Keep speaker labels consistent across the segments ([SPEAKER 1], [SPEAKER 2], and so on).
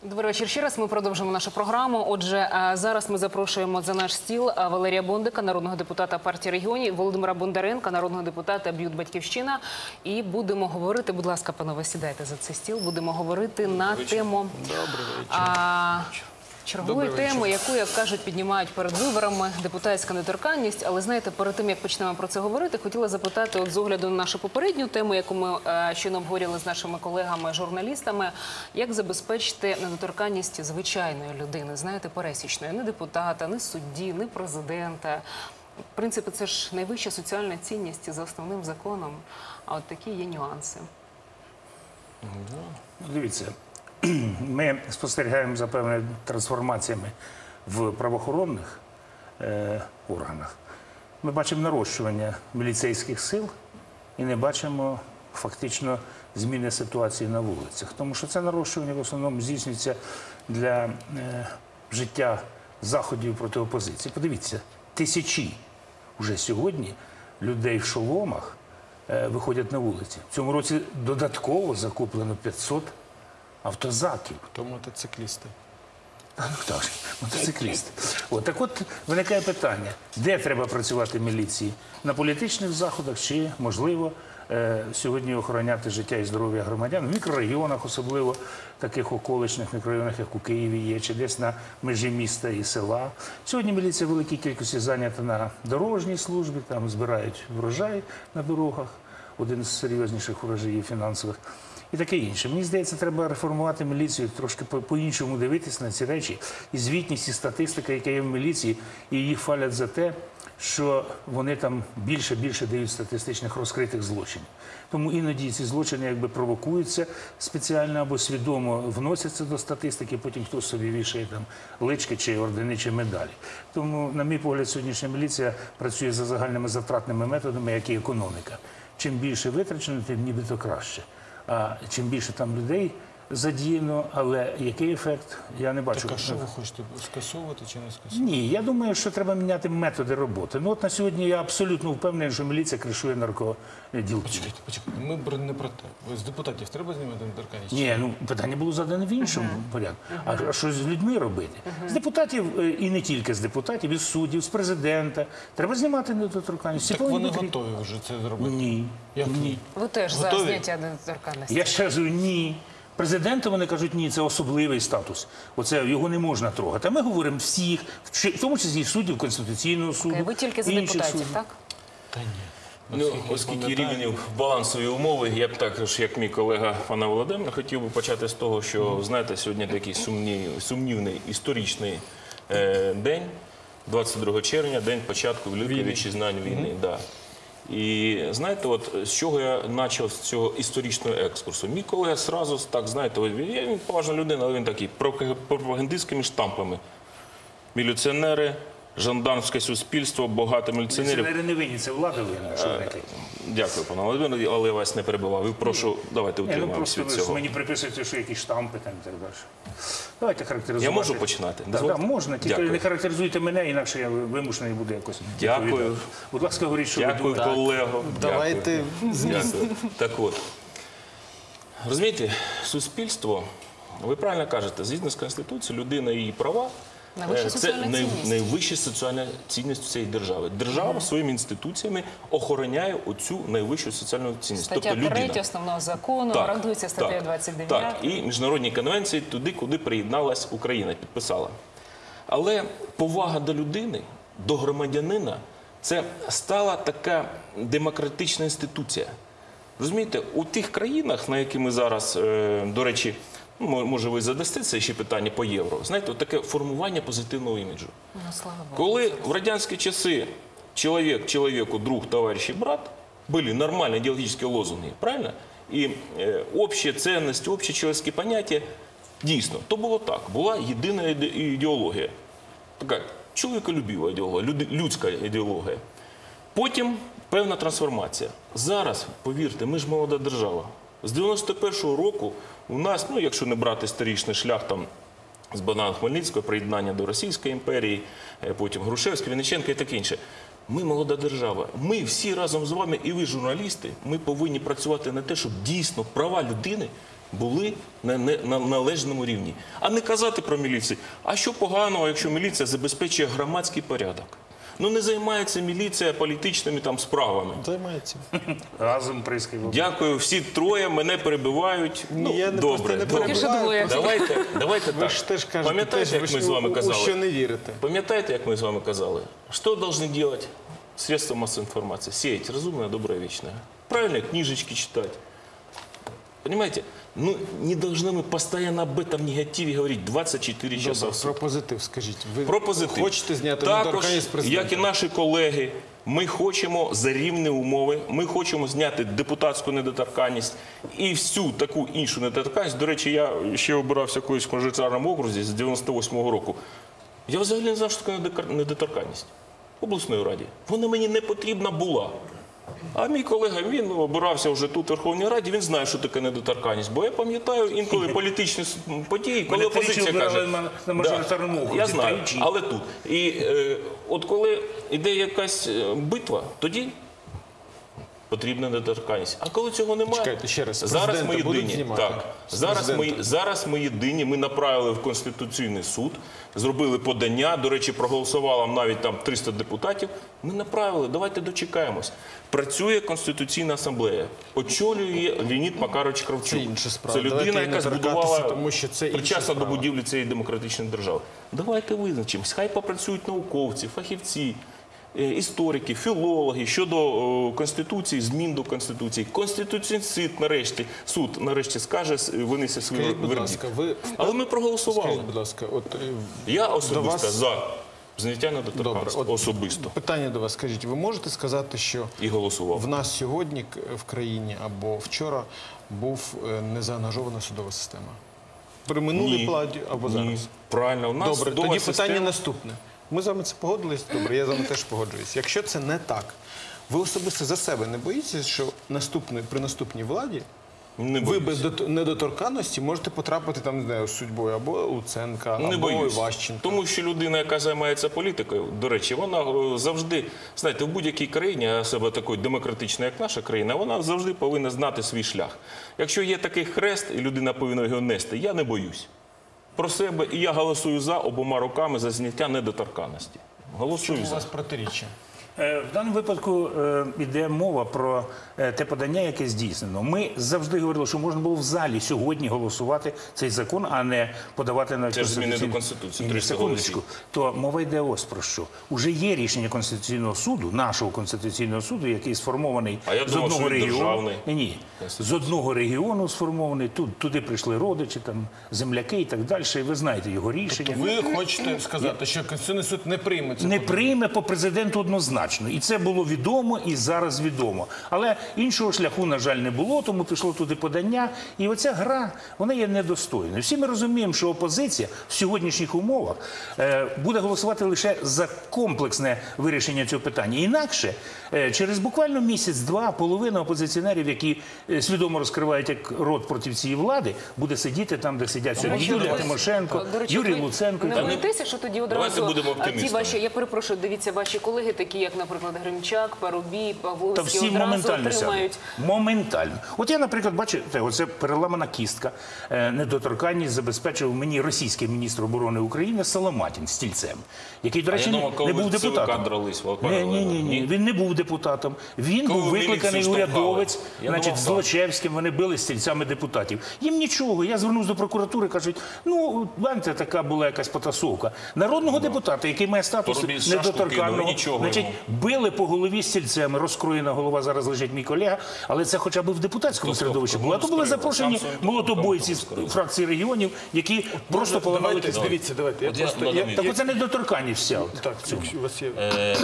[SPEAKER 1] Добрий вечір ще раз. Ми продовжуємо нашу програму. Отже, зараз ми запрошуємо за наш стіл Валерія Бондика, народного депутата партії регіонів, Володимира Бондаренка, народного депутата БЮТ «Батьківщина». І будемо говорити, будь ласка, панове, сідайте за цей стіл, будемо говорити на тему чергової теми, яку, як кажуть, піднімають перед виборами – депутатська недоторканність. Але, знаєте, перед тим, як почнемо про це говорити, хотіла запитати, от з огляду на нашу попередню тему, яку ми щойно обговорювали з нашими колегами-журналістами, як забезпечити недоторканність звичайної людини, знаєте, пересічної, не депутата, не судді, не президента. В принципі, це ж найвища соціальна цінність за основним законом, а от такі є нюанси.
[SPEAKER 2] Дивіться, ми спостерігаємо за певними трансформаціями в правоохоронних органах. Ми бачимо нарощування міліцейських сил і не бачимо фактично зміни ситуації на вулицях. Тому що це нарощування в основному здійснюється для життя заходів проти опозиції. Подивіться, тисячі вже сьогодні людей в шоломах виходять на вулиці. В цьому році додатково закуплено 500 автозаків.
[SPEAKER 3] То мотоциклісти.
[SPEAKER 2] Так, мотоциклісти. Так от виникає питання, де треба працювати міліції? На політичних заходах чи, можливо, сьогодні охороняти життя і здоров'я громадян в мікрорайонах, особливо таких околичних мікрорайонах, як у Києві є, чи десь на межі міста і села. Сьогодні міліція в великій кількості зайнята на дорожній службі, там збирають врожай на дорогах, один з серйозніших врожаїв фінансових. І таке інше. Мені здається, треба реформувати міліцію, трошки по-іншому дивитися на ці речі. І звітність, і статистика, яка є в міліції, і їх хвалять за те, що вони там більше дають статистичних розкритих злочинів. Тому іноді ці злочини якби провокуються спеціально або свідомо вносяться до статистики, потім хтось собі вішає там лички чи ордени, чи медалі. Тому, на мій погляд, сьогоднішня міліція працює за загальними затратними методами, як і економіка. Чим більше витрачено, тим нібито краще. А чим більше там людей задіяно, але який ефект, я не бачу.
[SPEAKER 3] Так, а що ви хочете, скасовувати чи не скасовувати?
[SPEAKER 2] Ні, я думаю, що треба міняти методи роботи. Ну от на сьогодні я абсолютно впевнений, що міліція кришує наркоділків.
[SPEAKER 3] Почекайте, ми не про те. З депутатів треба знімати недоторканність?
[SPEAKER 2] Ні, ну питання було задане в іншому порядку. А що з людьми робити? З депутатів, і не тільки з депутатів, із суддів, з президента. Треба знімати недоторканність.
[SPEAKER 3] Так вони готові вже це зробити?
[SPEAKER 2] Ні.
[SPEAKER 3] Як ні?
[SPEAKER 1] Ви теж за зняття недоторканності?
[SPEAKER 2] Я ще кажу, ні. Президенту вони кажуть, ні, це особливий статус. Оце його не можна трогати. А ми говоримо всіх, в тому числі і суддів Конституційного суду.
[SPEAKER 1] Ви тільки за депутатів, так?
[SPEAKER 3] Та ні.
[SPEAKER 4] Ну, оскільки рівень балансові умови, я б також, як мій колега пана Володимира, хотів би почати з того, що, знаєте, сьогодні такий сумнівний історичний день, 22 червня, день початку Великої Вітчизняної війни. Да. І знаєте, от з чого я почав з цього історичного екскурсу? Мій колега одразу, так, знаєте, він поважна людина, але він такий, пропагандистськими штампами. Міліціонери, жандармське суспільство, багато міліціонерів.
[SPEAKER 2] Міліціонери не винні, це влада винна.
[SPEAKER 4] Дякую, пане Володимире, але я вас не перебивав. І прошу, давайте утримаємося від цього.
[SPEAKER 2] Мені приписуєте, що якісь штампи там і так далі. Давайте характеризувати.
[SPEAKER 4] Я можу починати?
[SPEAKER 2] Так, можна, тільки
[SPEAKER 4] Дякую.
[SPEAKER 2] не характеризуйте мене, інакше я вимушений буду якось
[SPEAKER 4] Дякую.
[SPEAKER 2] відповідати. Будь ласка, говоріть, що ви
[SPEAKER 4] Дякую,
[SPEAKER 2] думаєте.
[SPEAKER 4] колего.
[SPEAKER 3] Давайте
[SPEAKER 4] Дякую. Так от, розумієте, суспільство, ви правильно кажете, згідно з Конституцією, людина і її права
[SPEAKER 1] Найвища
[SPEAKER 4] це
[SPEAKER 1] соціальна цінність.
[SPEAKER 4] найвища соціальна цінність цієї держави. Держава своїми інституціями охороняє оцю найвищу соціальну цінність.
[SPEAKER 1] Стаття
[SPEAKER 4] Тобто
[SPEAKER 1] 3
[SPEAKER 4] людина.
[SPEAKER 1] основного закону,
[SPEAKER 4] Так,
[SPEAKER 1] гарантується статтею 29.
[SPEAKER 4] Так, і міжнародні конвенції туди, куди приєдналась Україна, підписала. Але повага до людини, до громадянина – це стала така демократична інституція. Розумієте, у тих країнах, на які ми зараз, до речі, ну, може ви задасте це ще питання по євро, знаєте, таке формування позитивного іміджу.
[SPEAKER 1] Ну, слава Богу.
[SPEAKER 4] Коли в радянські часи чоловік человеку, друг, товарищ и брат, были нормальные идеологические лозунги, правильно? І общі цінності, общі чоловічські поняття, дійсно, то було так, була єдина ідеологія. Така чоловіколюбива ідеологія, людська ідеологія. Потім певна трансформація. Зараз, повірте, ми ж молода держава. З 91-го року у нас, ну, якщо не брати історичний шлях там з Богдана Хмельницького, приєднання до Російської імперії, потім Грушевський, Винниченко і таке інше. Ми молода держава. Ми всі разом з вами, і ви, журналісти, ми повинні працювати на те, щоб дійсно права людини були на належному рівні. А не казати про міліцію. А що поганого, якщо міліція забезпечує громадський порядок? Ну не займається міліція політичними там справами.
[SPEAKER 3] Займається.
[SPEAKER 2] Разом прискіпом.
[SPEAKER 4] Дякую, всі троє мене перебивають. Ну,
[SPEAKER 3] я не просто
[SPEAKER 4] добре,
[SPEAKER 3] не
[SPEAKER 4] добре.
[SPEAKER 1] Поки що двоє.
[SPEAKER 4] Давайте
[SPEAKER 3] Ви
[SPEAKER 4] так.
[SPEAKER 3] ж теж кажете,
[SPEAKER 4] Пам'ятаєте, як ми з вами
[SPEAKER 3] у що
[SPEAKER 4] казали?
[SPEAKER 3] не вірите.
[SPEAKER 4] Пам'ятаєте, як ми з вами казали? Що должны делать средства массовой информации? Сеять разумное, доброе, вечное. Правильно, книжечки читать. Понимаете? Ну, не должны мы постоянно об этом негативе говорить 24 часа
[SPEAKER 3] Добре,
[SPEAKER 4] в
[SPEAKER 3] про
[SPEAKER 4] сутки.
[SPEAKER 3] позитив скажіть. Ви
[SPEAKER 4] Про позитив.
[SPEAKER 3] хочете зняти
[SPEAKER 4] Також,
[SPEAKER 3] недоторканність президента?
[SPEAKER 4] як і наші колеги, ми хочемо за рівні умови, ми хочемо зняти депутатську недоторканність і всю таку іншу недоторканність. До речі, я ще обирався колись в мажоритарному окрузі з 98-го року. Я взагалі не знав, що таке недоторканність в обласній раді. Вона мені не потрібна була. А мій колега, він обирався вже тут, в Верховній Раді, він знає, що таке недоторканність. Бо я пам'ятаю інколи політичні події, коли
[SPEAKER 2] Мене тричі
[SPEAKER 4] опозиція каже...
[SPEAKER 2] обирали на мажоритарному окрузі.
[SPEAKER 4] Я знаю,
[SPEAKER 2] Тричі.
[SPEAKER 4] але тут. І от коли йде якась битва, тоді потрібна недоторканність. А коли цього немає,
[SPEAKER 3] Чекайте, ще раз,
[SPEAKER 4] зараз ми
[SPEAKER 3] президента будуть
[SPEAKER 4] єдині.
[SPEAKER 3] знімати?
[SPEAKER 4] Так,
[SPEAKER 3] З
[SPEAKER 4] зараз
[SPEAKER 3] президента?
[SPEAKER 4] ми єдині. Ми направили в Конституційний суд, зробили подання. До речі, проголосувало навіть там 300 депутатів. Ми направили, давайте дочекаємось. Працює Конституційна асамблея. Очолює Леонід Макарович Кравчук.
[SPEAKER 3] Це інша справа.
[SPEAKER 4] Це людина,
[SPEAKER 3] Давайте
[SPEAKER 4] яка
[SPEAKER 3] не торкатися,
[SPEAKER 4] збудувала,
[SPEAKER 3] тому що це інша
[SPEAKER 4] причасна до
[SPEAKER 3] справа.
[SPEAKER 4] будівлі цієї демократичної держави. Давайте визначимось. Хай попрацюють науковці, фахівці, історики, філологи щодо Конституції, змін до Конституції. Конституційний суд нарешті скаже, винесе свій
[SPEAKER 3] Скажіть, будь
[SPEAKER 4] вердикт.
[SPEAKER 3] ласка, ви...
[SPEAKER 4] Але ми проголосували.
[SPEAKER 3] Скажіть, будь ласка, от
[SPEAKER 4] Я
[SPEAKER 3] до
[SPEAKER 4] особисто
[SPEAKER 3] вас-
[SPEAKER 4] за зняття
[SPEAKER 3] Добре,
[SPEAKER 4] недоторканності.
[SPEAKER 3] от
[SPEAKER 4] Особисто.
[SPEAKER 3] питання до вас. Скажіть, ви можете сказати, що
[SPEAKER 4] І голосував.
[SPEAKER 3] в нас сьогодні в країні або вчора був незаангажована судова система? При минулій владі або
[SPEAKER 4] Ні.
[SPEAKER 3] зараз?
[SPEAKER 4] Правильно. У нас
[SPEAKER 3] Добре,
[SPEAKER 4] судова
[SPEAKER 3] тоді
[SPEAKER 4] система-
[SPEAKER 3] питання наступне. Ми з вами це погодились? Добре, я з вами теж погоджуюсь. Якщо це не так, ви особисто за себе не боїтеся, що при наступній владі
[SPEAKER 4] Не
[SPEAKER 3] ви
[SPEAKER 4] боюсь.
[SPEAKER 3] без недоторканності можете потрапити там, не знаю, з судьбою або Луценка,
[SPEAKER 4] Не
[SPEAKER 3] або
[SPEAKER 4] боюсь.
[SPEAKER 3] Іващенка?
[SPEAKER 4] Тому що людина, яка займається політикою, до речі, вона завжди, знаєте, в будь-якій країні, а себе такої демократичної, як наша країна, вона завжди повинна знати свій шлях. Якщо є такий хрест, і людина повинна його нести, я не боюсь. Про себе, і я голосую за обома руками за зняття недоторканності. Голосую
[SPEAKER 3] У
[SPEAKER 4] за.
[SPEAKER 3] вас протиріччя.
[SPEAKER 2] В даному випадку йде мова про те подання, яке здійснено. Ми завжди говорили, що можна було в залі сьогодні голосувати цей закон, а не подавати на
[SPEAKER 4] Це ж зміни до
[SPEAKER 2] Конституційний-
[SPEAKER 4] Конституції,
[SPEAKER 2] Ні,
[SPEAKER 4] 300
[SPEAKER 2] секундочку. То мова йде ось про що. Уже є рішення Конституційного суду, нашого Конституційного суду, який сформований
[SPEAKER 4] А я
[SPEAKER 2] з
[SPEAKER 4] думав,
[SPEAKER 2] одного
[SPEAKER 4] що він
[SPEAKER 2] регіону.
[SPEAKER 4] державний.
[SPEAKER 2] Ні, з одного регіону сформований. Туди прийшли родичі, там земляки і так далі. І ви знаєте його рішення.
[SPEAKER 3] Ви хочете сказати, що Конституційний суд не прийме це?
[SPEAKER 2] Не прийме по президенту однозначно. І це було відомо, і зараз відомо. Але іншого шляху, на жаль, не було, тому пішло туди подання. І оця гра, вона є недостойною. Всі ми розуміємо, що опозиція в сьогоднішніх умовах буде голосувати лише за комплексне вирішення цього питання. Інакше, через буквально місяць-два, половина опозиціонерів, які свідомо розкривають як рот проти цієї влади, буде сидіти там, де сидять сьогодні Юлія Тимошенко,
[SPEAKER 1] До речі,
[SPEAKER 2] Юрій
[SPEAKER 1] ви
[SPEAKER 2] Луценко. і
[SPEAKER 1] Не
[SPEAKER 2] так далі.
[SPEAKER 1] боїтеся, що тоді
[SPEAKER 4] Давайте
[SPEAKER 1] одразу
[SPEAKER 4] будемо
[SPEAKER 1] ті
[SPEAKER 4] оптимістами.
[SPEAKER 1] ваші, я перепрошую, дивіться, ваші колеги, такі як, наприклад, Гримчак, Парубій,
[SPEAKER 2] Та
[SPEAKER 1] Павловський,
[SPEAKER 2] всі
[SPEAKER 1] одразу
[SPEAKER 2] моментально
[SPEAKER 1] отримають.
[SPEAKER 2] сядуть. Моментально. От я, наприклад, бачите, оце переламана кістка. Недоторканність забезпечив мені російський міністр оборони України Соломатін стільцем, який, до
[SPEAKER 4] А я
[SPEAKER 2] речі,
[SPEAKER 4] думав, коли
[SPEAKER 2] не був
[SPEAKER 4] ви в ЦВК
[SPEAKER 2] депутатом.
[SPEAKER 4] дрались, Володимир
[SPEAKER 2] Ні,
[SPEAKER 4] Валерійович.
[SPEAKER 2] він не був депутатом. Він
[SPEAKER 4] Коли
[SPEAKER 2] був
[SPEAKER 4] ви
[SPEAKER 2] викликаний
[SPEAKER 4] міліцію
[SPEAKER 2] урядовець,
[SPEAKER 4] штовхали. Я
[SPEAKER 2] значить,
[SPEAKER 4] думав,
[SPEAKER 2] з
[SPEAKER 4] так.
[SPEAKER 2] Злочевським, вони били стільцями депутатів. Їм нічого. Я звернувся до прокуратури, кажуть, ну, бачите, така була якась потасовка. Народного депутата, який має статус
[SPEAKER 4] Парубій шашку кинув,
[SPEAKER 2] недоторканного,
[SPEAKER 4] і нічого
[SPEAKER 2] значить,
[SPEAKER 4] йому.
[SPEAKER 2] били по голові стільцями, розкроєна голова, зараз лежить мій колега, але це хоча б в депутатському
[SPEAKER 4] Хто
[SPEAKER 2] середовищі
[SPEAKER 4] сказав?
[SPEAKER 2] було. А то були
[SPEAKER 4] Кому
[SPEAKER 2] запрошені
[SPEAKER 4] скрили?
[SPEAKER 2] молотобойці з
[SPEAKER 4] Кому скрили?
[SPEAKER 2] фракції регіонів, які просто поламали
[SPEAKER 3] Давайте,
[SPEAKER 2] кістки.
[SPEAKER 3] дивіться, давайте. Я
[SPEAKER 4] От я
[SPEAKER 3] просто...
[SPEAKER 4] додам
[SPEAKER 2] Так оце недоторканність вся. от.
[SPEAKER 3] Так, у вас є...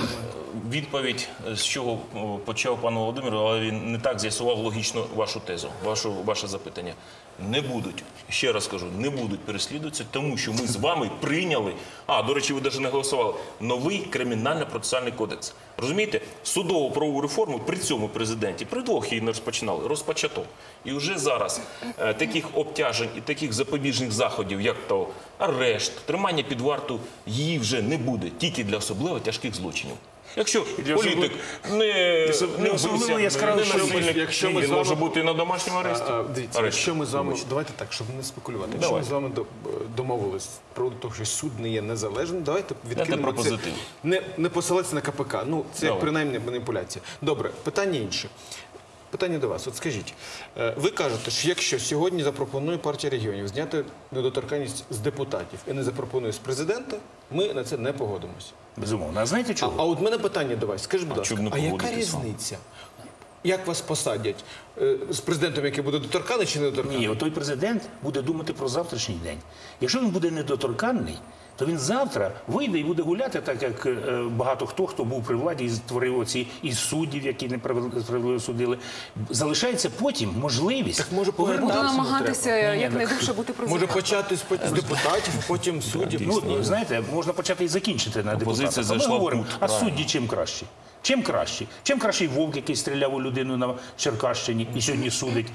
[SPEAKER 4] Відповідь, з чого почав пан Володимир, але він не так з'ясував логічно вашу тезу, ваше запитання. Не будуть, ще раз кажу, не будуть переслідуватися, тому що ми з вами прийняли, до речі, ви навіть не голосували, новий кримінально-процесуальний кодекс. Розумієте? Судову правову реформу при цьому президенті, при двох її не розпочинали, розпочато. І вже зараз таких обтяжень і таких запобіжних заходів, як то арешт, тримання під варту, її вже не буде, тільки для особливо тяжких злочинів. Якщо
[SPEAKER 2] для
[SPEAKER 4] політик не
[SPEAKER 2] особливо
[SPEAKER 4] вбився,
[SPEAKER 2] яскравий
[SPEAKER 4] не
[SPEAKER 2] чоловік,
[SPEAKER 4] насильник,
[SPEAKER 3] якщо ми
[SPEAKER 4] він
[SPEAKER 3] з вами-
[SPEAKER 4] може бути і на домашньому аресті.
[SPEAKER 3] Дивіться, якщо ми з вами, давайте так, щоб не спекулювати. Якщо ми з вами домовились про те, що суд не є незалежним, давайте відкинемо
[SPEAKER 4] про
[SPEAKER 3] це.
[SPEAKER 4] позитив.
[SPEAKER 3] Не посилатися на КПК. Ну, це
[SPEAKER 4] Давай.
[SPEAKER 3] принаймні маніпуляція. Добре, питання інше. Питання до вас. От скажіть, ви кажете, що якщо сьогодні запропонує партія регіонів зняти недоторканність з депутатів і не запропонує з президента, ми на це не погодимося.
[SPEAKER 2] Безумовно. А знаєте
[SPEAKER 3] А
[SPEAKER 2] чого?
[SPEAKER 3] от в мене питання до вас. Скажіть, будь ласка,
[SPEAKER 4] чому не
[SPEAKER 3] а яка
[SPEAKER 4] погодитися?
[SPEAKER 3] різниця? Як вас посадять? З президентом, який буде доторканий чи недоторканий?
[SPEAKER 2] Ні, той президент буде думати про завтрашній день. Якщо він буде недоторканний, то він завтра вийде і буде гуляти, так як багато хто був при владі і створив оці із суддів, які несправедливо судили. Залишається потім можливість
[SPEAKER 3] Так може
[SPEAKER 1] Буде
[SPEAKER 3] повертатися не
[SPEAKER 1] намагатися
[SPEAKER 3] треба?
[SPEAKER 1] якнайдовше бути
[SPEAKER 3] Може
[SPEAKER 1] президентом.
[SPEAKER 3] почати з депутатів, потім суддів?
[SPEAKER 2] Ну, знаєте, можна почати і закінчити на
[SPEAKER 4] Опозиція
[SPEAKER 2] депутатах. А ми
[SPEAKER 4] зайшла в
[SPEAKER 2] говоримо,
[SPEAKER 4] кут,
[SPEAKER 2] а
[SPEAKER 4] правильно.
[SPEAKER 2] судді чим кращі? Чим кращі? Чим кращий Вовк, який стріляв у людину на Черкащині і сьогодні судить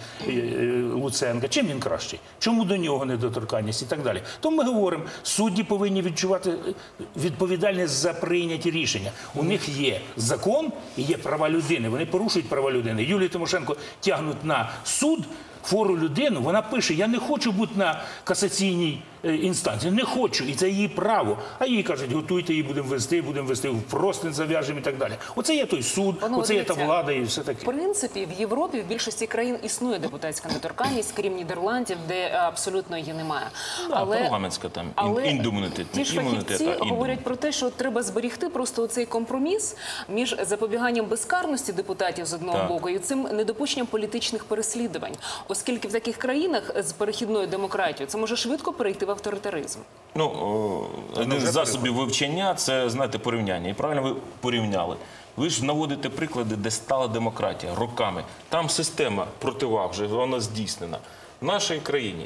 [SPEAKER 2] Луценка? Чим він кращий? Чому до нього недоторканність і так далі? Тому ми говоримо, судді повинні відчувати відповідальність за прийняті рішення. У них є закон і є права людини. Вони порушують права людини. Юлію Тимошенко тягнуть на суд, хвору людину, вона пише, я не хочу бути на касаційній інстанції, не хочу, і це її право. А їй кажуть, готуйте, її будемо вести в простин зав'яжемо і так далі. Оце є той суд,
[SPEAKER 1] Панове,
[SPEAKER 2] оце є та
[SPEAKER 1] дивіться,
[SPEAKER 2] влада і все
[SPEAKER 1] В
[SPEAKER 2] таке.
[SPEAKER 1] принципі, в Європі в більшості країн існує депутатська недоторканність, крім Нідерландів, де абсолютно її немає.
[SPEAKER 4] Парламентська там індемунітет.
[SPEAKER 1] ті ж фахівці говорять про те, що треба зберігти просто цей компроміс між запобіганням безкарності депутатів з одного
[SPEAKER 4] Так.
[SPEAKER 1] боку і цим недопущенням політичних переслідувань. Оскільки в таких країнах з перехідною демократією це може швидко перейти в авторитаризм.
[SPEAKER 4] Ну, один з засобів вивчення – це, знаєте, порівняння. І правильно ви порівняли. Ви ж наводите приклади, де стала демократія роками. Там система противаг вже, вона здійснена. В нашій країні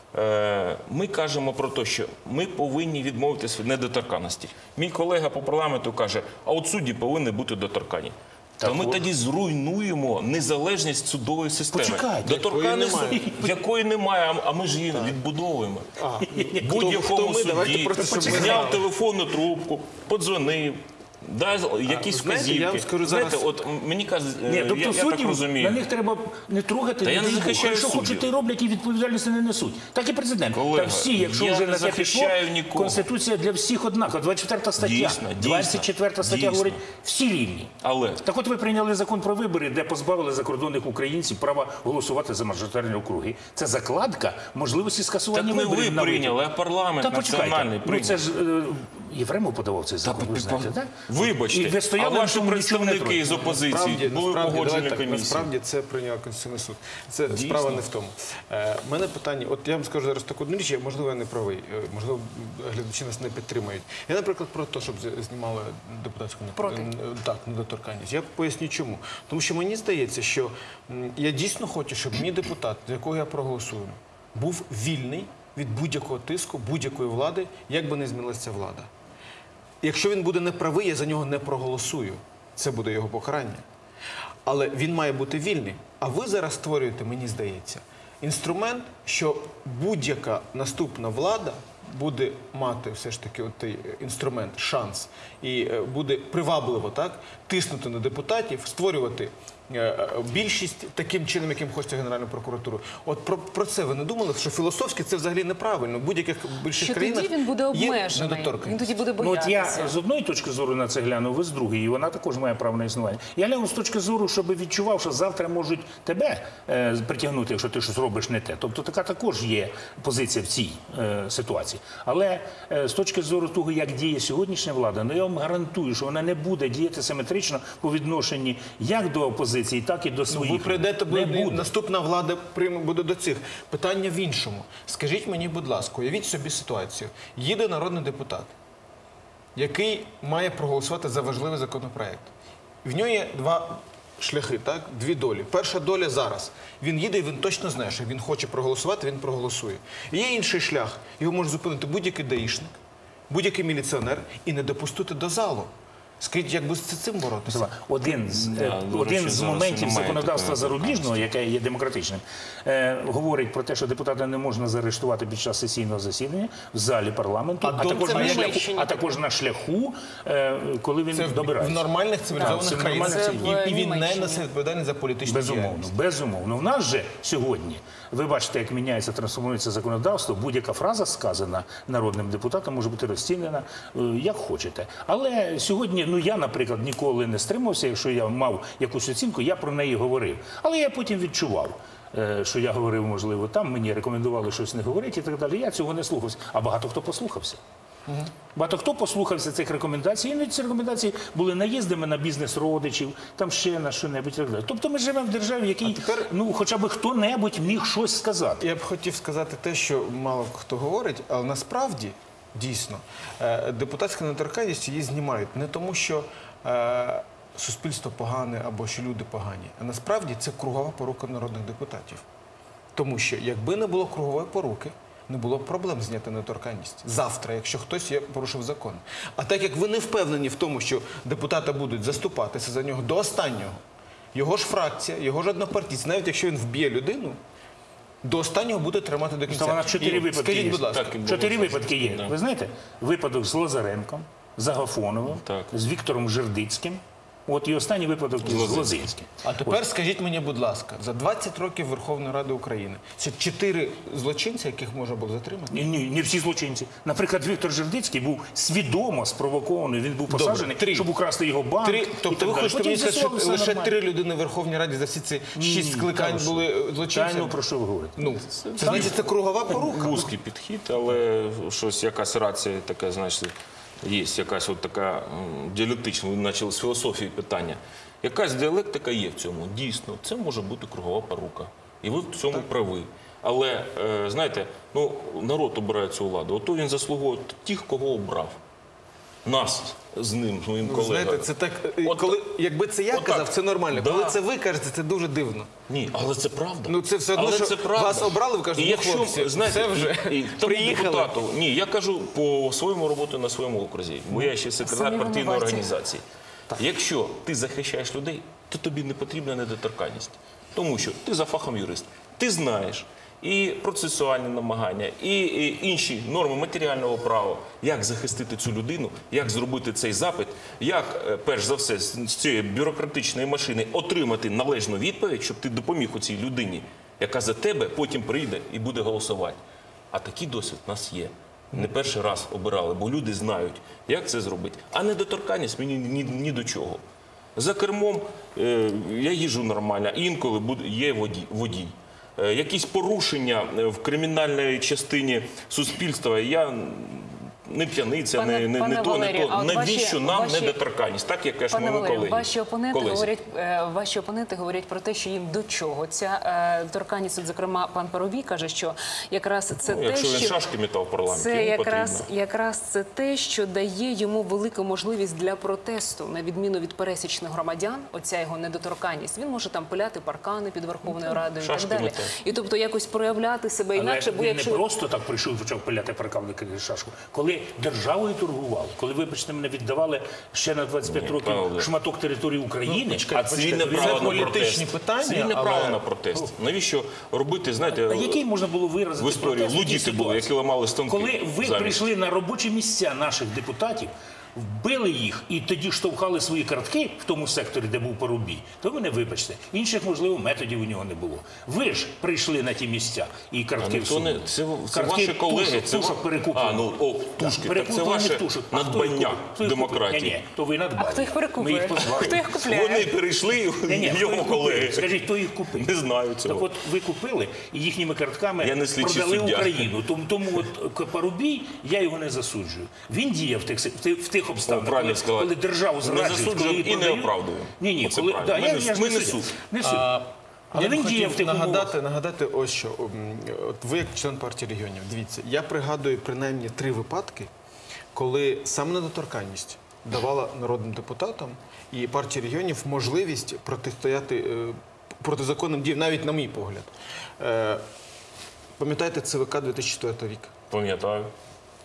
[SPEAKER 4] ми кажемо про те, що ми повинні відмовитися від недоторканності. Мій колега по парламенту каже, а от судді повинні бути доторкані. То ми тоді зруйнуємо незалежність судової системи.
[SPEAKER 2] Почекайте,
[SPEAKER 4] Доторканності, якої немає, а ми ж її відбудовуємо.
[SPEAKER 3] Хто
[SPEAKER 4] Будь-якому
[SPEAKER 3] ми? Давайте
[SPEAKER 4] судді
[SPEAKER 3] просто, щоб ми
[SPEAKER 4] зняв
[SPEAKER 3] знали.
[SPEAKER 4] телефонну трубку, подзвонив, дав якісь
[SPEAKER 3] знаєте, я
[SPEAKER 4] вказівки.
[SPEAKER 3] вам скажу
[SPEAKER 4] Знаєте,
[SPEAKER 3] зараз-
[SPEAKER 4] от мені кажуть,
[SPEAKER 2] Ні,
[SPEAKER 4] я
[SPEAKER 2] тобто
[SPEAKER 4] так
[SPEAKER 2] суддів,
[SPEAKER 4] розумію.
[SPEAKER 2] на них треба не трогати,
[SPEAKER 4] Та я не
[SPEAKER 2] дай Бог.
[SPEAKER 4] захищаю
[SPEAKER 2] Якщо хочуть,
[SPEAKER 4] суддів.
[SPEAKER 2] то й роблять і відповідальності не несуть. Так і президент.
[SPEAKER 4] Колега,
[SPEAKER 2] Так всі, якщо
[SPEAKER 4] я
[SPEAKER 2] вже
[SPEAKER 4] не
[SPEAKER 2] на те пішло,
[SPEAKER 4] захищаю нікого.
[SPEAKER 2] Конституція для всіх однакова. 24 стаття,
[SPEAKER 4] Дійсно,
[SPEAKER 2] 24 стаття
[SPEAKER 4] дійсно.
[SPEAKER 2] говорить, всі рівні.
[SPEAKER 4] Але
[SPEAKER 2] Так от ви прийняли закон про вибори, де позбавили закордонних українців права голосувати за мажоритарні округи. Це закладка можливості скасування
[SPEAKER 4] так не
[SPEAKER 2] виборів.
[SPEAKER 4] ви
[SPEAKER 2] на
[SPEAKER 4] прийняли, а парламент
[SPEAKER 2] Та почекайте,
[SPEAKER 4] національний
[SPEAKER 2] ну
[SPEAKER 4] прийняв.
[SPEAKER 2] це ж Єфремов подавав цей закон, ви знаєте, так?
[SPEAKER 4] Вибачте,
[SPEAKER 2] І ви
[SPEAKER 4] а
[SPEAKER 2] стояли,
[SPEAKER 4] ваші
[SPEAKER 2] нічого не
[SPEAKER 4] представники
[SPEAKER 2] трогали.
[SPEAKER 4] з опозиції були погоджені
[SPEAKER 3] давайте так,
[SPEAKER 4] комісії.
[SPEAKER 3] насправді це прийняв Конституційний суд. Це справа не в тому. У мене питання, от я вам скажу зараз таку одну річ, можливо, я не правий, можливо, глядачі нас не підтримають. Я, наприклад, про те, щоб знімали депутатську недоторканність. Я поясню чому. Тому що мені здається, що я дійсно хочу, щоб мій депутат, за якого я проголосую, був вільний від будь-якого тиску, будь-якої влади, як би не змінилася ця влада. Якщо він буде неправий, я за нього не проголосую. Це буде його покарання. Але він має бути вільний. А ви зараз створюєте, мені здається, інструмент, що будь-яка наступна влада буде мати все ж таки той інструмент, шанс, і буде привабливо так, тиснути на депутатів, створювати більшість таким чином, яким хоче Генеральна прокуратура. От про це ви не думали, що філософськи це взагалі неправильно. В будь-яких більших
[SPEAKER 1] Що
[SPEAKER 3] країнах
[SPEAKER 1] тоді він буде
[SPEAKER 3] є
[SPEAKER 1] обмежений,
[SPEAKER 3] недоторканність.
[SPEAKER 1] він тоді буде
[SPEAKER 2] Ну, от
[SPEAKER 1] боятися.
[SPEAKER 2] я з одної точки зору на це гляну, ви з другої, і вона також має право на існування. Я гляну з точки зору, щоб відчував, що завтра можуть тебе притягнути, якщо ти щось робиш не те. Тобто така також є позиція в цій ситуації. Але з точки зору того, як діє сьогоднішня влада, ну я вам гарантую, що вона не буде діяти симетрично по відношенні як до опозиції, так і до своїх.
[SPEAKER 3] Ви прийдете,
[SPEAKER 2] Не буде.
[SPEAKER 3] наступна влада буде до цих. Питання в іншому. Скажіть мені, будь ласка, уявіть собі ситуацію. Їде народний депутат, який має проголосувати за важливий законопроект. В нього є два шляхи, так? Дві долі. Перша доля зараз. Він їде і він точно знає, що він хоче проголосувати, він проголосує. І є інший шлях. Його може зупинити будь-який даїшник, будь-який міліціонер і не допустити до залу. Скажіть, як би з цим боротися?
[SPEAKER 2] Один з
[SPEAKER 4] до речі, зараз
[SPEAKER 2] моментів
[SPEAKER 4] немає
[SPEAKER 2] законодавства
[SPEAKER 4] такої
[SPEAKER 2] зарубіжного, яке є демократичним, говорить про те, що депутата не можна заарештувати під час сесійного засідання в залі парламенту, а також на шляху, коли він
[SPEAKER 3] Це в
[SPEAKER 2] добирається.
[SPEAKER 3] нормальних цивілізованих
[SPEAKER 2] Так, це
[SPEAKER 3] країнах.
[SPEAKER 2] нормальних
[SPEAKER 3] І він не
[SPEAKER 1] Німеччині.
[SPEAKER 3] несе відповідальність за політичну діяльність.
[SPEAKER 2] Безумовно. В нас же сьогодні, ви бачите, як міняється, трансформується законодавство, будь-яка фраза сказана народним депутатом може бути розцінена як хочете. Але сьогодні, я, наприклад, ніколи не стримався, якщо я мав якусь оцінку, я про неї говорив. Але я потім відчував, що я говорив, можливо, там, мені рекомендували щось не говорити і так далі. Я цього не слухався. А багато хто послухався. Багато хто послухався цих рекомендацій, і ці рекомендації були наїздами на бізнес родичів, там ще на що-небудь. Тобто ми живемо в державі, в якій хоча б хто-небудь міг щось сказати.
[SPEAKER 3] Я б хотів сказати те, що мало хто говорить, але насправді, дійсно, депутатська недоторканність її знімають не тому, що суспільство погане або що люди погані, а насправді це кругова порука народних депутатів. Тому що якби не було кругової поруки, не було б проблем зняти недоторканність. Завтра, якщо хтось порушив закон. А так як ви не впевнені в тому, що депутати будуть заступатися за нього до останнього, його ж фракція, його ж однопартійці, навіть якщо він вб'є людину, до останнього буде тримати до кінця.
[SPEAKER 2] У нас 4 випадки
[SPEAKER 3] Скажіть,
[SPEAKER 2] є.
[SPEAKER 3] будь ласка.
[SPEAKER 2] 4 випадки є.
[SPEAKER 4] Да.
[SPEAKER 2] Ви знаєте, випадок з Лазаренком, з Агафоновим,
[SPEAKER 4] Так.
[SPEAKER 2] з Віктором Жердицьким. От і останній випадок з Лозинським.
[SPEAKER 3] А тепер скажіть мені, будь ласка, за 20 років Верховної Ради України це 4 злочинці, яких можна було затримати?
[SPEAKER 2] Ні, не всі злочинці. Наприклад, Віктор Жердицький був свідомо спровокований, він був посаджений,
[SPEAKER 3] 3.
[SPEAKER 2] щоб украсти його банк.
[SPEAKER 3] Тобто ви хочете мені сказати, що лише 3 людини в Верховній Раді за всі ці 6 скликань були злочинцями?
[SPEAKER 2] Про що ви говорите?
[SPEAKER 3] Це значить, це кругова порука.
[SPEAKER 4] Вузький підхід, але щось, якась рація така, значить, є якась от така діалектична, ви почали з філософії питання. Якась діалектика є в цьому. Дійсно, це може бути кругова порука. І ви в цьому праві. Але, знаєте, народ обирає цю владу. Ото він заслуговує тих, кого обрав. Нас з ним, з моїм колегою.
[SPEAKER 3] Знаєте, це так,
[SPEAKER 4] От
[SPEAKER 3] якби це я
[SPEAKER 4] отак.
[SPEAKER 3] казав, це нормально.
[SPEAKER 4] Да.
[SPEAKER 3] Коли це ви кажете, це дуже дивно.
[SPEAKER 4] Ні, але це правда.
[SPEAKER 3] Ну, це все одно,
[SPEAKER 4] Але
[SPEAKER 3] що
[SPEAKER 4] це правда.
[SPEAKER 3] вас обрали, ви кажете,
[SPEAKER 4] І якщо,
[SPEAKER 3] хлопці,
[SPEAKER 4] знаєте,
[SPEAKER 3] це вже
[SPEAKER 4] тому
[SPEAKER 3] приїхали.
[SPEAKER 4] депутату, ні, я кажу по своєму роботу на своєму окрузі, бо я ще секретар
[SPEAKER 1] Самі
[SPEAKER 4] партійної
[SPEAKER 1] винуваті.
[SPEAKER 4] організації. Якщо ти захищаєш людей, то тобі не потрібна недоторканність. Тому що ти за фахом юрист, ти знаєш і процесуальні намагання, і інші норми матеріального права, як захистити цю людину, як зробити цей запит, як, перш за все, з цієї бюрократичної машини отримати належну відповідь, щоб ти допоміг у цій людині, яка за тебе потім прийде і буде голосувати. А такий досвід у нас є. Не перший раз обирали, бо люди знають, як це зробити. А недоторканність мені ні до чого. За кермом я їжджу нормально, інколи є водій. Якісь порушення в кримінальній частині суспільства, я не п'яниця, не то, не
[SPEAKER 1] Валерію,
[SPEAKER 4] то.
[SPEAKER 1] а от
[SPEAKER 4] Навіщо нам
[SPEAKER 1] ваші-
[SPEAKER 4] недоторканність? Так, як кажуть
[SPEAKER 1] Пане
[SPEAKER 4] мої
[SPEAKER 1] Валерію,
[SPEAKER 4] колеги.
[SPEAKER 1] ваші опоненти говорять про те, що їм до чого ця торканність. От, зокрема, пан Парубій каже, що якраз це те,
[SPEAKER 4] Якщо він
[SPEAKER 1] що
[SPEAKER 4] шашки метав в парламенті,
[SPEAKER 1] це
[SPEAKER 4] йому потрібно.
[SPEAKER 1] якраз це те, що дає йому велику можливість для протесту, на відміну від пересічних громадян. Оця його недоторканність. Він може там пиляти паркани під Верховною Радою і так
[SPEAKER 4] шашки
[SPEAKER 1] далі.
[SPEAKER 4] метати.
[SPEAKER 1] І тобто якось проявляти себе інакше, бо
[SPEAKER 2] він
[SPEAKER 1] якщо
[SPEAKER 2] не просто так прийшов і почав пиляти паркавники шашку. Коли державою торгували, коли, вибачте мене, віддавали ще на 25 років
[SPEAKER 4] Павло.
[SPEAKER 2] шматок території України,
[SPEAKER 4] А цивільне право на
[SPEAKER 3] політичні
[SPEAKER 4] протест.
[SPEAKER 3] питання,
[SPEAKER 4] Цивільне
[SPEAKER 3] але-
[SPEAKER 4] право на протест. Навіщо робити, знаєте,
[SPEAKER 2] А який можна було виразити
[SPEAKER 4] в історії
[SPEAKER 2] протест в такій
[SPEAKER 4] лудіти були,
[SPEAKER 2] ситуації?
[SPEAKER 4] які ламали станки.
[SPEAKER 2] Коли ви
[SPEAKER 4] замість.
[SPEAKER 2] прийшли на робочі місця наших депутатів, вбили їх і тоді штовхали свої картки в тому секторі, де був Парубій, то ви не вибачте. Інших, можливо, методів у нього не було. Ви ж прийшли на ті місця і картки
[SPEAKER 4] Ніхто не-
[SPEAKER 2] всунули.
[SPEAKER 4] це ваші колеги, це
[SPEAKER 2] тушок перекуплено.
[SPEAKER 4] тушки. Так це
[SPEAKER 2] Перекуплених
[SPEAKER 4] ваше
[SPEAKER 2] тушок. А хто їх
[SPEAKER 4] надбання
[SPEAKER 2] купив? Хто їх купив?
[SPEAKER 4] демократії.
[SPEAKER 2] Ні, то ви надбання.
[SPEAKER 1] А хто їх перекупує?
[SPEAKER 2] Ми їх позвали.
[SPEAKER 1] Хто їх купляє?
[SPEAKER 4] Вони перейшли,
[SPEAKER 2] Ні, хто
[SPEAKER 4] його
[SPEAKER 2] їх
[SPEAKER 4] колеги.
[SPEAKER 2] купив? Скажіть, хто їх купив?
[SPEAKER 4] Не знаю цього.
[SPEAKER 2] Так от ви купили і їхніми картками
[SPEAKER 4] Я не слідчий
[SPEAKER 2] продали
[SPEAKER 4] суддя.
[SPEAKER 2] Україну. Тому от Парубій, я його не засуджую. Він діяв в тих обставинах,
[SPEAKER 4] правильно сказали.
[SPEAKER 2] коли державу
[SPEAKER 4] Не
[SPEAKER 2] зраджують,
[SPEAKER 4] засуджуємо
[SPEAKER 2] коли її
[SPEAKER 4] і не
[SPEAKER 2] продають.
[SPEAKER 4] оправдуємо.
[SPEAKER 2] Ні,
[SPEAKER 4] Оце
[SPEAKER 2] коли
[SPEAKER 4] правильно.
[SPEAKER 2] да, я ж
[SPEAKER 4] Ми
[SPEAKER 2] не
[SPEAKER 4] не
[SPEAKER 2] суддя.
[SPEAKER 4] суд.
[SPEAKER 2] Не суд. Але
[SPEAKER 3] Я
[SPEAKER 2] він
[SPEAKER 3] б
[SPEAKER 2] діяв в
[SPEAKER 3] хотів
[SPEAKER 2] тих умовах.
[SPEAKER 3] нагадати ось що. От ви як член партії регіонів, дивіться, я пригадую принаймні 3 випадки, коли саме недоторканність давала народним депутатам і партії регіонів можливість протистояти протизаконним діям, навіть на мій погляд. Пам'ятаєте ЦВК 2004 рік?
[SPEAKER 4] Пам'ятаю.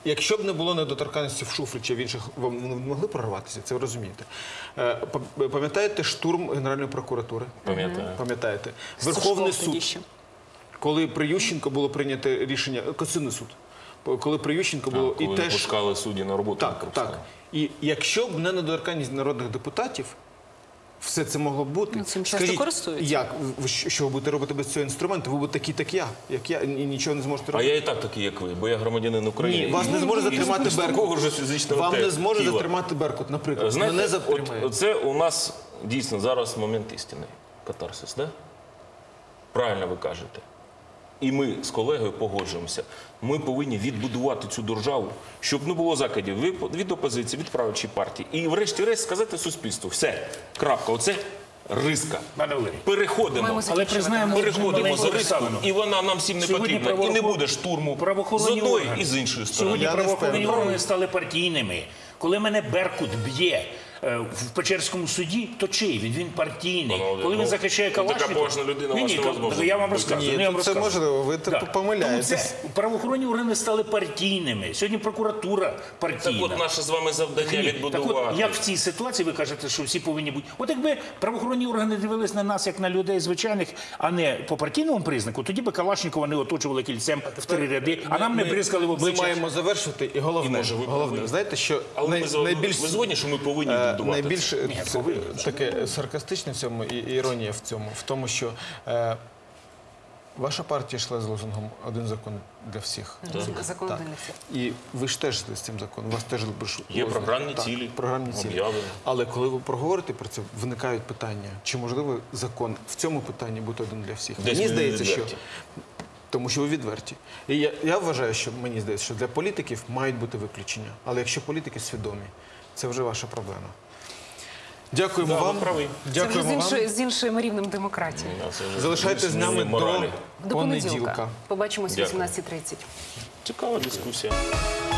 [SPEAKER 3] Якщо б не було недоторканності в Шуфрі чи в інших, вони не могли прорватися, це ви розумієте. Пам'ятаєте штурм Генеральної прокуратури?
[SPEAKER 4] Пам'ятаю.
[SPEAKER 3] Пам'ятаєте? Верховний
[SPEAKER 1] Сушков тоді
[SPEAKER 3] суд,
[SPEAKER 1] ще.
[SPEAKER 3] коли при Ющенко було прийнято рішення, Конституційний суд, коли при Ющенко було
[SPEAKER 4] Коли не пускали судді на роботу.
[SPEAKER 3] Так, так. І якщо б не недоторканність народних депутатів, все це могло б бути.
[SPEAKER 1] Ну, цим часто користуються.
[SPEAKER 3] Як? Що ви будете робити без цього інструменту? Ви будете такі, як я, і нічого не зможете
[SPEAKER 4] А
[SPEAKER 3] робити.
[SPEAKER 4] я і так такий, як ви, бо я громадянин України.
[SPEAKER 3] Ні, вас не зможе затримати
[SPEAKER 4] З такого
[SPEAKER 3] Беркут.
[SPEAKER 4] ж фізичного
[SPEAKER 3] Вам не зможе
[SPEAKER 4] тіла.
[SPEAKER 3] затримати Беркут, наприклад.
[SPEAKER 4] Знаєте,
[SPEAKER 3] Мене затримає.
[SPEAKER 4] це у нас дійсно зараз момент істини. Катарсис, да? Правильно ви кажете. І ми з колегою погоджуємося. Ми повинні відбудувати цю державу, щоб не було закидів від опозиції, від правлячої партії. І врешті-решт сказати суспільству. Все, крапка. Оце риска.
[SPEAKER 2] Пане Валерій.
[SPEAKER 4] Переходимо.
[SPEAKER 1] Маємо
[SPEAKER 2] Але признаємо
[SPEAKER 4] Переходимо за риску,
[SPEAKER 2] обставину.
[SPEAKER 4] і вона нам всім не
[SPEAKER 2] Сьогодні
[SPEAKER 4] потрібна. І не буде штурму з
[SPEAKER 2] правоохоронні
[SPEAKER 4] одної
[SPEAKER 2] органи.
[SPEAKER 4] і з іншої сторони.
[SPEAKER 2] Сьогодні
[SPEAKER 3] Я не
[SPEAKER 2] правоохоронні
[SPEAKER 3] впевнений.
[SPEAKER 2] органи стали партійними. Коли мене Беркут б'є в Печерському суді, то чий він? Він партійний.
[SPEAKER 4] Пане
[SPEAKER 2] Коли він
[SPEAKER 4] ну,
[SPEAKER 2] захищає
[SPEAKER 4] така
[SPEAKER 2] Калашникова...
[SPEAKER 4] поважна людина, вас невозможно
[SPEAKER 2] я вам розказую.
[SPEAKER 3] Ні,
[SPEAKER 2] я вам
[SPEAKER 3] це
[SPEAKER 2] розказую.
[SPEAKER 3] можливо, ви
[SPEAKER 2] Так.
[SPEAKER 3] помиляєтесь.
[SPEAKER 2] Тому це правоохоронні органи стали партійними. Сьогодні прокуратура партійна.
[SPEAKER 4] Так от наше з вами завдання
[SPEAKER 2] Ні,
[SPEAKER 4] відбудувати.
[SPEAKER 2] Так от, як в цій ситуації ви кажете, що всі повинні бути? От якби правоохоронні органи дивились на нас як на людей звичайних, а не по партійному признаку, тоді би Калашникова не оточували кільцем в 3 ряди, а нам не бризкали в
[SPEAKER 3] Ми
[SPEAKER 2] обличчя.
[SPEAKER 3] маємо завершити, і
[SPEAKER 4] І,
[SPEAKER 3] головне,
[SPEAKER 4] може, ви
[SPEAKER 3] головне,
[SPEAKER 4] праві.
[SPEAKER 3] знаєте, що
[SPEAKER 4] Але ви згодні, що ми повинні відбудувати
[SPEAKER 3] найбільш
[SPEAKER 4] це?
[SPEAKER 3] таке саркастичне в цьому і іронія в тому, що ваша партія йшла з лозунгом «Один закон для всіх».
[SPEAKER 1] Закон
[SPEAKER 3] Так.
[SPEAKER 1] один для всіх.
[SPEAKER 3] І ви ж теж з цим законом, у вас теж
[SPEAKER 4] Є програмні цілі,
[SPEAKER 3] програмні цілі.
[SPEAKER 4] об'яви.
[SPEAKER 3] Але коли ви проговорите про це, виникають питання, чи можливо закон в цьому питанні бути один для всіх?
[SPEAKER 4] Десь
[SPEAKER 3] Мені
[SPEAKER 4] ми
[SPEAKER 3] здається, що
[SPEAKER 4] відверті.
[SPEAKER 3] тому що ви відверті. І я вважаю, що мені здається, що для політиків мають бути виключення. Але якщо політики свідомі, це вже ваша проблема. Дякуємо
[SPEAKER 4] Да, ви
[SPEAKER 3] вам.
[SPEAKER 4] праві.
[SPEAKER 1] Це вже
[SPEAKER 3] Дякуємо вам.
[SPEAKER 1] з іншим рівнем демократії.
[SPEAKER 4] Це вже
[SPEAKER 3] Залишайтесь з нами
[SPEAKER 4] моралі.
[SPEAKER 1] До понеділка.
[SPEAKER 3] понеділка.
[SPEAKER 1] Побачимось о
[SPEAKER 4] Дякую.
[SPEAKER 1] 18:30.
[SPEAKER 4] Цікава дискусія.